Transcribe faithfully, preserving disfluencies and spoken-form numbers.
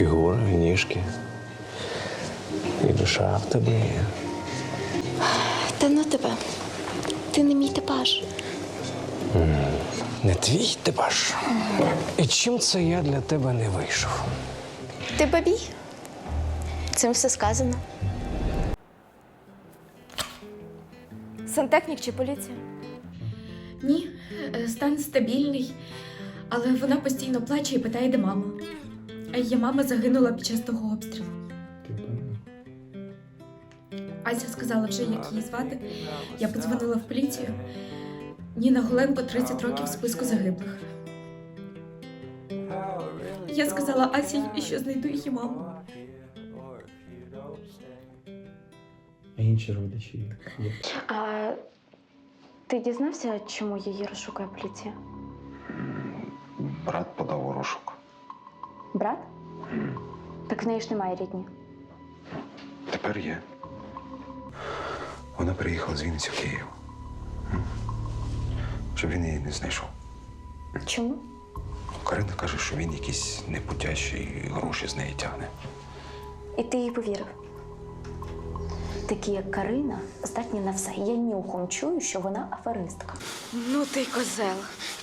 Фігура, і ніжки. І душа в тебе є. Та ну тебе. Ти не мій типаж. Не твій типаж. І чим це я для тебе не вийшов? Ти бабій. Цим все сказано. Сантехнік чи поліція? Ні, е, стан стабільний, але вона постійно плаче і питає, де мама. А її мама загинула під час того обстрілу. Ася сказала вже, як її звати. Я подзвонила в поліцію. Ніна Голенко, тридцять років в списку загиблих. Я сказала Асі, що знайду її маму. А інші родичі є? А ти дізнався, чому її розшукує поліція? Брат подав у розшук. Брат? Так в неї ж немає рідні. Тепер є. Вона приїхала з Вінниці в Київ. М? Щоб він її не знайшов. Чому? Карина каже, що він якийсь непутящий і гроші з неї тягне. І ти їй повірив? Такі, як Карина, здатні на все. Я нюхом чую, що вона аферистка. Ну ти козел.